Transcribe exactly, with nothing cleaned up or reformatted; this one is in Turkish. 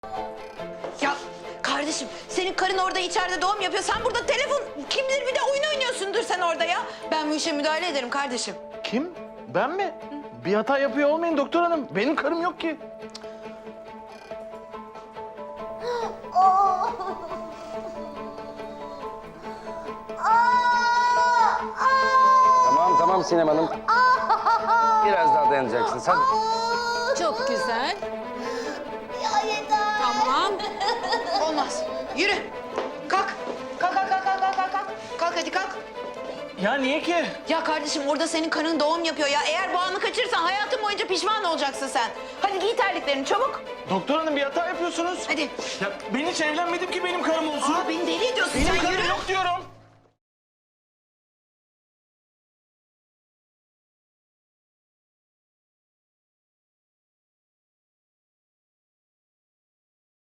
Ya kardeşim senin karın orada içeride doğum yapıyor. Sen burada telefon kim bilir bir de oyun oynuyorsundur sen orada ya. Ben bu işe müdahale ederim kardeşim. Kim? Ben mi? Bir hata yapıyor olmayın doktor hanım. Benim karım yok ki. Tamam tamam Sinem Hanım. Biraz daha dayanacaksınız hadi. Çok güzel. Ya yeter. Tamam. Olmaz. Yürü. Kalk. Kalk kalk kalk kalk kalk kalk. Kalk Kalk, hadi kalk. Ya niye ki? Ya kardeşim orada senin karın doğum yapıyor ya. Eğer bu anı kaçırırsan hayatın boyunca pişman olacaksın sen. Hadi giy terliklerini çabuk. Doktor hanım bir hata yapıyorsunuz. Hadi. Ya ben hiç evlenmedim ki benim karım olsun. Aa beni deli ediyorsun Benim sen karım yürü. yok diyorum.